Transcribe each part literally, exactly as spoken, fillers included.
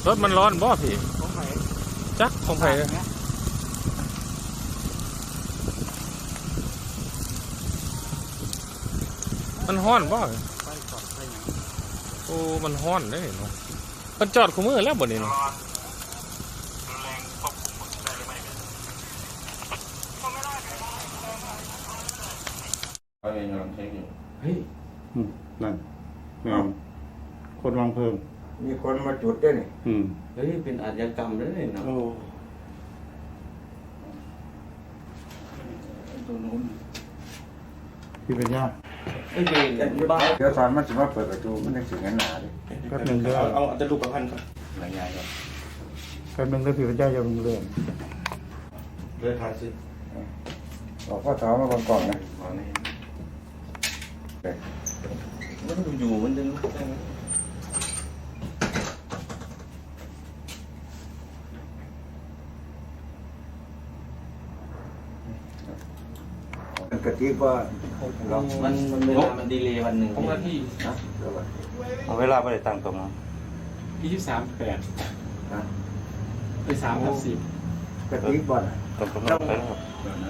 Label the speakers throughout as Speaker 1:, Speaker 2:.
Speaker 1: รถมันร้อนบ่พี่จักของไผ่มันฮ้อนบ่โอ้มันฮ้อนเลยเนาะมันจอดคู่มือแล้วบ่นี่เนาะ
Speaker 2: เขายังกำลังเช็คอยู่
Speaker 3: เฮ้ยนั่นแม่คนวางเพลิง
Speaker 4: มีคนมาจุดด้วยนี่
Speaker 3: อืม
Speaker 2: เฮ้ยเป็นอาชญากรรมด้วยเนาะ
Speaker 3: โอ้
Speaker 2: ตัวนู้น
Speaker 3: พี่เป็นญาติ
Speaker 2: เฮ้ยเป็นบ้า
Speaker 4: เดี๋ยวตอนมันจะมาเปิดประตูมันจะถึงกันหนาดิ
Speaker 3: แป๊บหนึงเด้อ
Speaker 2: เอาเอาจะดูประพันธ์ก่อนหลายอย่างก่อน
Speaker 3: แป๊บหนึงเด้อพี่เป็นญาติอย่าเพิ่งเรื่อง
Speaker 2: เลื่อนทางสิ
Speaker 4: บอกพ่อสาวมาก่อนก่อนนะ
Speaker 2: มาเนี่ยมันอยู่มันจะลุกได้ไหม
Speaker 4: กะทิว่าเรา
Speaker 2: มันมันเวลามันดีเลย์วันหนึ่ง
Speaker 1: ของนาที
Speaker 2: นะ
Speaker 3: เอาเวลาไปตั้งตรงนั้น
Speaker 1: ยี่สิบสามแปด
Speaker 4: นะ
Speaker 1: ไปสามกับสิบ
Speaker 4: กะทิบ่อน
Speaker 3: ตรงตรงนั้นไปครับ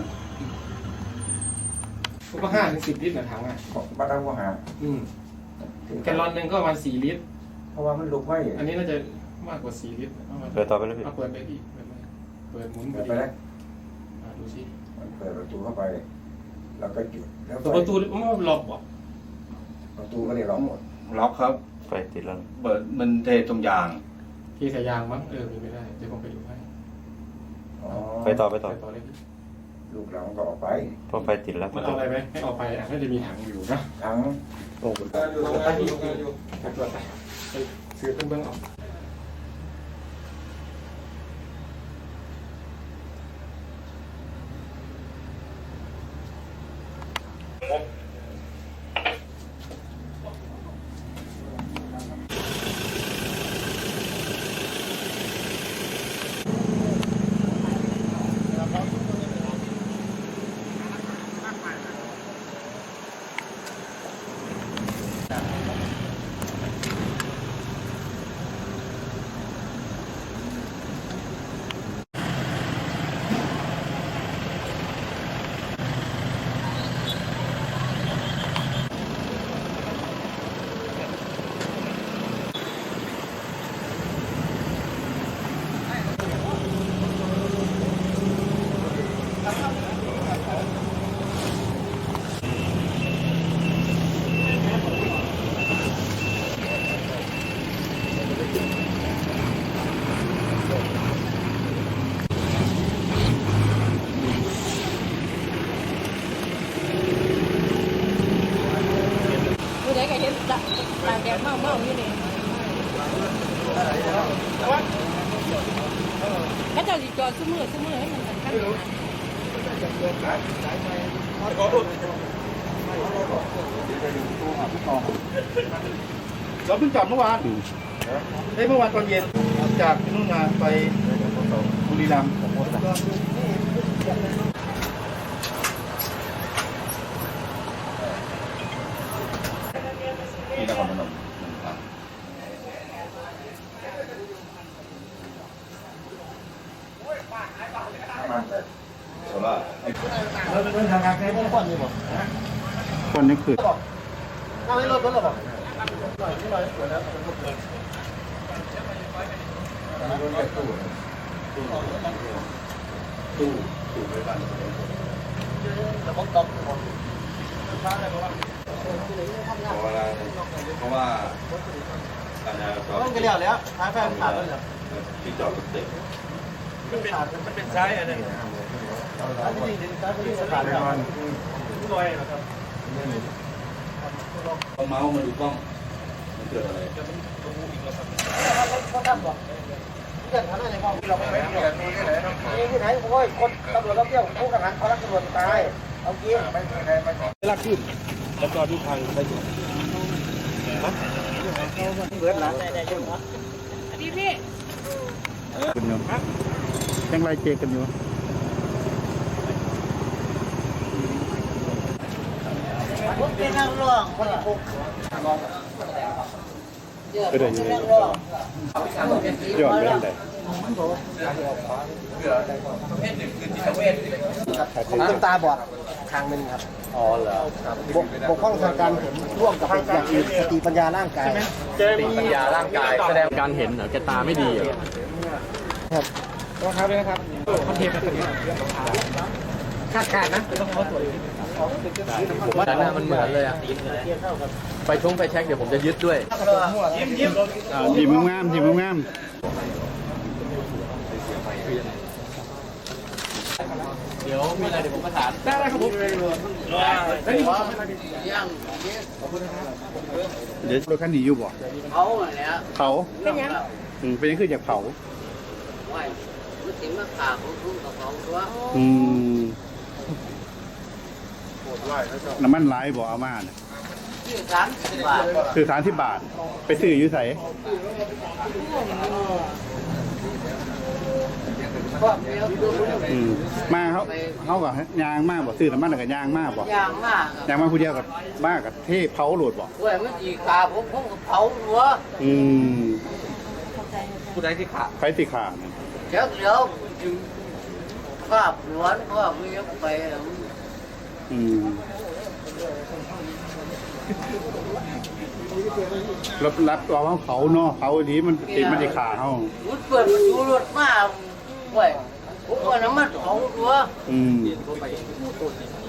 Speaker 1: ก็ห้าถึงสิบลิตรนะถังอ่ะ
Speaker 4: มาตั้งว่าหา
Speaker 1: อืมแกลลอนหนึ่งก็ประมาณสี่ลิตร
Speaker 4: เพราะว่ามันลุกไว้
Speaker 1: อันนี้น่าจะมากกว่าสี่ลิตรประมาณ
Speaker 3: เปิดต่อไปเลยพี่
Speaker 1: เอาเปิดไปพี่เปิดไปเปิดหมุน
Speaker 4: เปิดไปแล้ว
Speaker 1: อ่าดูสิ
Speaker 4: มันเปิดประตูเข้าไปแล้วก็จุดแล้ว
Speaker 1: ประตูมันล็อกบ่
Speaker 4: ประตูก็เลยล็อกหมด
Speaker 2: ล็อกครับ
Speaker 3: ไฟติดแล้ว
Speaker 2: เปิดมันเทตรงยาง
Speaker 1: ที่สายยางมั้งเออมีไม่ได้เดี๋ยวผมไปดูให้
Speaker 4: อ๋อ
Speaker 3: ไปต่อไปต่อ
Speaker 1: ไปต่อเลยพี่
Speaker 4: ลูกเราก็ออกไป
Speaker 3: เพราะไฟติดแล้ว
Speaker 1: มันเอาอะไรไหมให้ออกไปอ่ะน่าจะมีถังอยู่นะ
Speaker 4: ทั้ง
Speaker 3: โอ้
Speaker 1: อยู่ตรงนั้นอยู่อยู่ไปตรวจไปไปซื้อเครื่องเบื้องออก
Speaker 5: ผู้ใดก็เห็นตาตาแดงเมาเมาอยู่นี่ก็จะจอดซุ้มือซุ้มือให้มันสำคัญ
Speaker 6: เราเพิ่งกลับเมื่อวานได้เมื่อวานตอนเย็นจากที่นู่นมาไปบุรีรัมย์
Speaker 2: ที่นครพนมโซล่า
Speaker 6: เราเป็นทางการแค่พวกคนนี่บอก
Speaker 3: คนนี้คือ
Speaker 6: นั่งในรถรถหรอบอกหน่อยนี่หน่อยสวยแล้ว
Speaker 2: ตู้ตู้ไว้บ้าน
Speaker 6: แต่ผมตอบ
Speaker 2: เพราะว่าเพราะว่าการจราจร
Speaker 6: ต้องกันแล้วแล้วท้ายแฟนขาดแล้วเหรอ
Speaker 2: ที่จอดรถติด
Speaker 6: มันเป็นมันเป็นซ้ายอะไรเนี่ยอันนี้จริงๆซ้ายไม่ได้ขาดแล้วลอยเหรอครับ
Speaker 2: ต้องเมาส์มาดูกล้องมันเกิดอะไร
Speaker 6: เขาทำบอกที่จะทำอะไรบ้างเราไม่ไม่ที่ไหนที่ไหนโอ้ยคนตำรวจรับเที่ยวผู้กังหันเขารักตำรวจตายเอาเกี้ยไม่ไม่ไม่ไม่รักขึ้นแล้วก็ดูทางไปอยู่เบิร์ดละได้ยังวะ
Speaker 5: พี่พี่
Speaker 3: คุณโยมยังไล่เจกันอยู่
Speaker 6: ผมเป็นนักร้องคนละพวก
Speaker 3: ก็ได้อยู่ยอดเรื่องใด
Speaker 6: น้ำตาบอดทางหนึ่งครับ
Speaker 2: อ๋อเหรอ
Speaker 6: ครับบกบกพร่องทางการเห็นร่วมกับอย่างอื่นสติปัญญาร่างกาย
Speaker 1: แก
Speaker 2: สติ
Speaker 1: มี
Speaker 2: ปัญญาร่างกายแสดงการเห็นเหรอแกตาไม่ดีเหรอ
Speaker 6: ครับต้องครับเลยนะครับคอนเทนต์เป็นคาดการณ์นะต้องเขาตรวจ
Speaker 2: ผมว่าหน้ามันเหมือนเลยอะไปชงไปเช็คเดี๋ยวผมจะยึดด้วย
Speaker 3: อ่าทีมงามทีมงาม
Speaker 2: เดี๋ยวมีอะไรเดี๋ยวผมประสาน
Speaker 6: ได้ครับผม
Speaker 3: เดี๋ยวรถคันนี้อยู่บ่
Speaker 7: เขาเนี่ย
Speaker 3: เผา
Speaker 5: เป็นยัง
Speaker 3: อืมเป็นยังคืออยากเผา
Speaker 7: ว่ามันถึงมาขาของคุณกับเขาตัว
Speaker 3: อืมน้ำมันไหลายบ่เอามาน่ะ
Speaker 7: ที่สามสิบบาท
Speaker 3: คือสามสิบบาท ไปซื้ออยู่ไส
Speaker 7: ก็เดียวดู
Speaker 3: อืมมาเขาเขากับยางมากบ่ซื้อน้ำมันแล้วกับยางมากบ่
Speaker 7: ยางมาก
Speaker 3: ยางมาผู้เดียวกับมากกับเทเผาโหลดบ่
Speaker 7: เว้ยมันจีขาผมผมกับเผาหัว
Speaker 3: อืม
Speaker 6: ผู้ใดที่ขาด
Speaker 3: ไฟติขาดน่ะ
Speaker 7: เดี๋ยวเดี๋ยวจึงภาพหลวนภาพไม่ยกไป
Speaker 3: อืมรับรับตัวเขาเขาเนาะเขาดีมันติดมันจะขาเขา
Speaker 7: มันเปิดประตูรถมาเว้ยผมว่าน้ำมันเผาหัว
Speaker 3: อืม